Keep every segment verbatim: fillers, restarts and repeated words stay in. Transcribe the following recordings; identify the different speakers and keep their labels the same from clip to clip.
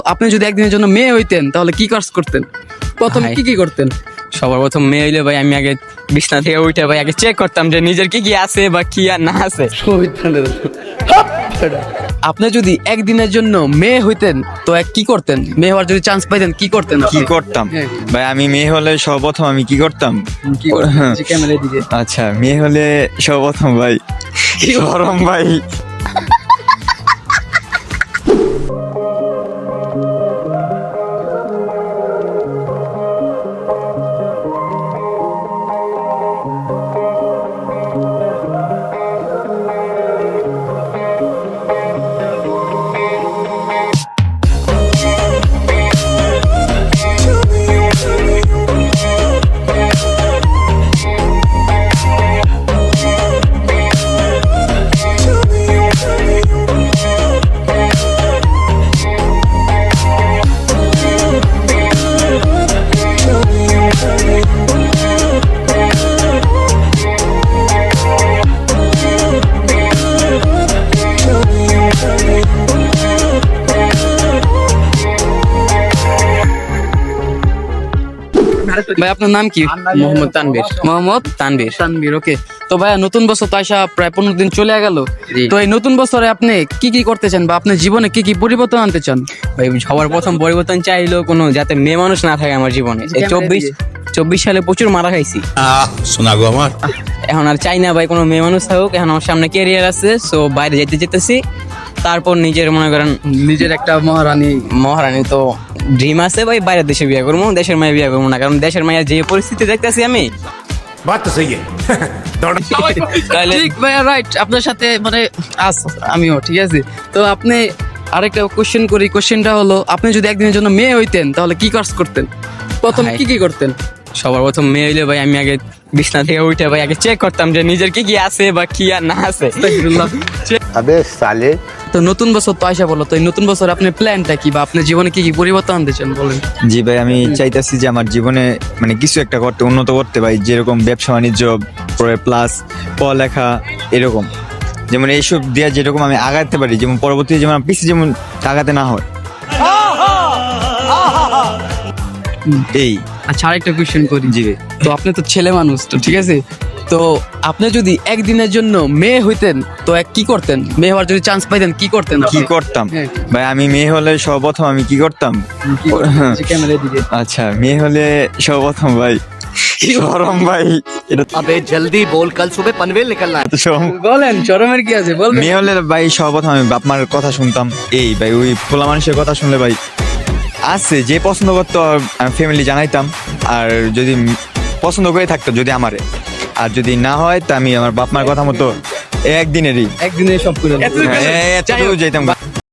Speaker 1: আপনি যদি একদিনের জন্য মেয়ে হইতেন তাহলে কি কাজ করতেন? প্রথম
Speaker 2: ভাই।
Speaker 1: কি কি করতেন?
Speaker 2: সবার প্রথম মেয়ে হইলে ভাই আমি আগে বিছনা থেকে উঠে ভাই আগে চেক করতাম যে নিজের কি কি আছে বা কি আর না আছে।
Speaker 1: আপনি যদি একদিনের জন্য মেয়ে হইতেন তো এক কি করতেন? মেয়ে হওয়ার যদি চান্স পাইতেন কি করতেন
Speaker 3: কি
Speaker 1: আপনি?
Speaker 3: করতাম
Speaker 1: হ্যাঁ।
Speaker 3: ভাই? আমি মেয়ে হলে সর্বপ্রথম আমি কি করতাম?
Speaker 1: কি করতেন? জি, ক্যামেরার দিকে।
Speaker 3: আচ্ছা, মেয়ে হলে সর্বপ্রথম ভাই গরম ভাই
Speaker 1: ভাই আপনার নাম কি?
Speaker 2: মোহাম্মদ তানভীর।
Speaker 1: মোহাম্মদ
Speaker 2: তানভীর।
Speaker 1: তানভীর। ওকে, তো ভাইয়া নতুন বছর তো আইসা প্রায় পনেরো দিন চলে গেল।
Speaker 2: জি।
Speaker 1: তো এই নতুন বছরে আপনি কি কি করতে চান বা আপনার জীবনে কি কি পরিবর্তন আনতে চান?
Speaker 2: ভাই সবার প্রথম পরিবর্তন চাইলো কোনো যাতে মেয়ে মানুষ না থাকে আমার জীবনে। এই চব্বিশ চব্বিশ সালে প্রচুর মারা খাইছি,
Speaker 4: আহ শোনা গো আমার।
Speaker 2: এখন আর চাই না ভাই কোনো মেয়ে মানুষ থাকুক। এখন আমার সামনে ক্যারিয়ার আছে, সো বাইরে যেতে যেতেছি। তারপর নিজের মনে করেন
Speaker 1: নিজের একটা মহারানী।
Speaker 2: মহারানী তো ড্রিম আছে ভাই, বাইরের দেশে বিয়ে করবো, দেশের মায়ে বিয়ে করবো না। কারণ দেশের মায়ের যে পরিস্থিতি দেখতেছি আমি,
Speaker 4: বাত তো সহি
Speaker 2: তাহলে
Speaker 1: ঠিক ভাইয়া, রাইট। আপনার সাথে মানে আস আমিও ঠিক আছে। তো আপনি আরেকটা কোশ্চেন করি। কোশ্চেনটা হলো, আপনি যদি একদিনের জন্য মেয়ে হইতেন তাহলে কি কাজ করতেন? প্রথম
Speaker 2: ভাই।
Speaker 1: কি কি করতেন?
Speaker 2: সবার প্রথম মেয়ে হইলে ভাই আমি আগে বিছনা থেকে উঠে ভাই আগে চেক করতাম যে নিজের কি কি আছে বা কি আর না আছে।
Speaker 5: अबे साले।
Speaker 1: তো নতুন বছর তো আইসা বলো, তো এই নতুন বছর আপনার প্ল্যানটা কি বা আপনার জীবনে কি কি পরিবর্তন আনতে চান বলেন?
Speaker 3: জি ভাই, আমি চাইতেছি যে আমার জীবনে মানে কিছু একটা করতে, উন্নত করতে ভাই। যেরকম ব্যবসা বাণিজ্য, পরে প্লাস পড়ালেখা, এরকম যেমন এইসব দিয়ে যেরকম আমি আগাতে পারি, যেমন পরবর্তীতে যেমন আমার পিছিয়ে যেমন আগাতে না হয়। এই
Speaker 1: আচ্ছা, আরেকটা কোশ্চেন করি।
Speaker 3: জি ভাই।
Speaker 1: তো আপনি তো ছেলে মানুষ, তো ঠিক আছে। তো আপনি যদি একদিনের জন্য মেয়ে হইতেন তো এক কি করতেন? মেয়ে হওয়ার যদি চান্স পাইতেন কি করতেন
Speaker 3: কি
Speaker 1: আপনি?
Speaker 3: করতাম
Speaker 1: হ্যাঁ।
Speaker 3: ভাই? আমি মেয়ে হলে সর্বপ্রথম আমি কি করতাম?
Speaker 1: কি করতেন? জি, ক্যামেরার দিকে।
Speaker 3: আচ্ছা, মেয়ে হলে সর্বপ্রথম ভাই গরম ভাই, এটা
Speaker 5: अबे जल्दी बोल, कल सुबह पनवेल निकलना है।
Speaker 3: তো সব-
Speaker 1: বলেন, শরমের কি আছে বলবেন?
Speaker 3: মেয়ে হলে ভাই সর্বপ্রথম আমি বাপ মার কথা শুনতাম। এই ভাই, ওই পোলা মানুষের কথা শুনলে ভাই আছে যে পছন্দ করতো আমি ফ্যামিলি জানাইতাম। আর যদি পছন্দ করে থাকতো যদি আমারে, আর যদি না হয় তা আমি আমার বাপ মার কথা মতো একদিনেরই
Speaker 1: একদিনে সব করে দেন।
Speaker 3: হ্যাঁ, এতটুকু যেতাম।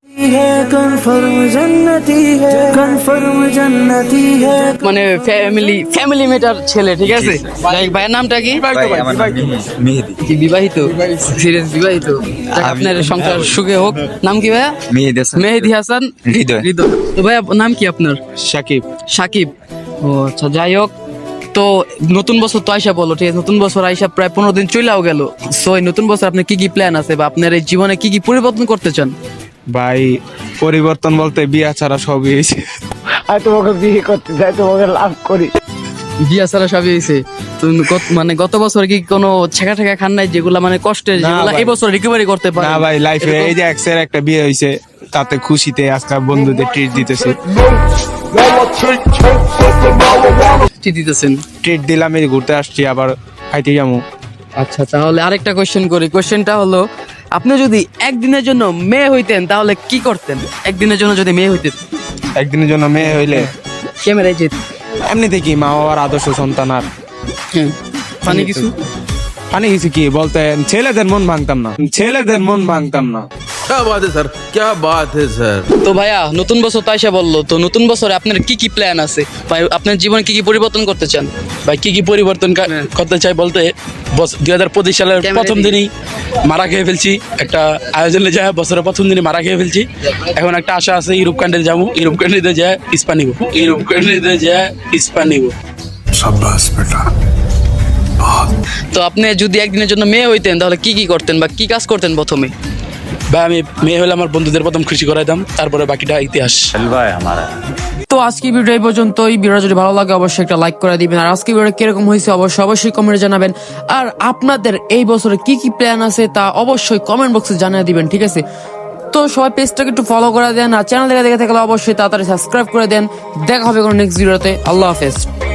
Speaker 1: মানে ফ্যামিলি ফ্যামিলি মেটার ছেলে, ঠিক আছে। যাই হোক, ভাইয়ের নামটা কি?
Speaker 3: ভাই, আমার নাম মেহেদি। মেহেদি
Speaker 1: কি বিবাহিত? সিরিয়াস বিবাহিত? যাক,
Speaker 3: আমি-
Speaker 1: আপনার সংসার সুখে হোক। নাম কি ভাইয়া?
Speaker 3: মেহেদি হাসান।
Speaker 1: মেহেদি হাসান
Speaker 3: হৃদয়।
Speaker 1: হৃদয়। তো ভাইয়া নাম কি আপনার?
Speaker 4: সাকিব।
Speaker 1: সাকিব। ও আচ্ছা, যাই হোক। তো নতুন বছর তো আইসা বলো, ঠিক আছে। নতুন বছর আইসা প্রায় পনেরো দিন চলেও গেল। সো এই নতুন বছর আপনার কি কি প্ল্যান আছে বা আপনার এই জীবনে কি কি পরিবর্তন করতে চান?
Speaker 6: ভাই পরিবর্তন বলতে বিয়া ছাড়া সবই হয়েছে।
Speaker 5: আর তোমাকে বিয়ে করতে চাই, তোমাকে লাভ করি।
Speaker 1: বিয়া ছাড়া সবই হয়েছে। তো গত- মানে গত বছর কি কোনো ছেঁকা ঠেকা খান নাই যেগুলা মানে কষ্টের,
Speaker 6: না
Speaker 1: যেগুলা
Speaker 6: ভাই।
Speaker 1: এই বছর রিকভারি করতে পারে?
Speaker 6: না ভাই, লাইফে এই যে এক্সের একটা বিয়ে হয়েছে, তাতে খুশিতে আজকে বন্ধুদের ট্রিট দিতেছে।
Speaker 1: কি দিতেছেন?
Speaker 6: ট্রিট দিলাম, এই ঘুরতে আসছি, আবার খাইতে যাবো।
Speaker 1: আচ্ছা, তাহলে আরেকটা কোশ্চেন করি। কোশ্চেনটা হলো, আপনি যদি একদিনের জন্য মেয়ে হইতেন তাহলে কি করতেন? একদিনের জন্য যদি মেয়ে হইতেন।
Speaker 6: একদিনের জন্য মেয়ে হইলে
Speaker 1: ক্যামেরায় যেত।
Speaker 6: এমনি দেখি মা বাবার আদর্শ সন্তান। আর
Speaker 1: মানে কিছু
Speaker 6: মানে কিছু কি বলতে, ছেলেদের মন ভাঙতাম না, ছেলেদের মন ভাঙতাম না।
Speaker 4: क्या बात है सर, क्या बात है सर।
Speaker 1: তো ভাইয়া নতুন বছর তো আইসা বললো, তো নতুন বছরে আপনার কি কি প্ল্যান আছে ভাই? আপনার জীবনে কি কি পরিবর্তন করতে চান?
Speaker 7: ভাই কি কি পরিবর্তন কা- করতে চাই বলতে, দুই হাজার পঁচিশ সালের
Speaker 1: ক্যামেরা
Speaker 7: প্রথম
Speaker 1: দিকে।
Speaker 7: দিনই মারা খেয়ে ফেলছি একটা আয়োজনে যায়, বছরের প্রথম দিনই মারা খেয়ে ফেলছি। এখন একটা আশা আছে ইউরোপ কান্ট্রি যাবো, ইউরোপ কান্ট্রিতে যায় ইস্পা নিব, ইউরোপ কান্ট্রিতে যায় ইস্পা নিব।
Speaker 4: शाबाश बेटा।
Speaker 1: তো আপনি যদি একদিনের জন্য মেয়ে হইতেন তাহলে কি কি করতেন বা কি কাজ করতেন প্রথমে?
Speaker 7: ভাই আমি মেয়ে হলে আমার বন্ধুদের প্রথম খুশি করাইতাম, তারপরে বাকিটা ইতিহাস।
Speaker 1: তো আজকে ভিডিও এই পর্যন্তই। ভিডিও যদি ভালো লাগে অবশ্যই একটা লাইক করে দিবেন, আর আজকে ভিডিও কিরকম হয়েছে অবশ্যই অবশ্যই কমেন্টে জানাবেন। আর আপনাদের এই বছরে কি কি প্ল্যান আছে তা অবশ্যই কমেন্ট বক্সে জানিয়ে দিবেন, ঠিক আছে? তো সবাই পেজটাকে একটু ফলো করে দেন, আর চ্যানেল দেখে দেখে থাকলে অবশ্যই তাড়াতাড়ি সাবস্ক্রাইব করে দেন। দেখা হবে কোনো নেক্সট ভিডিওতে। আল্লাহ হাফেজ।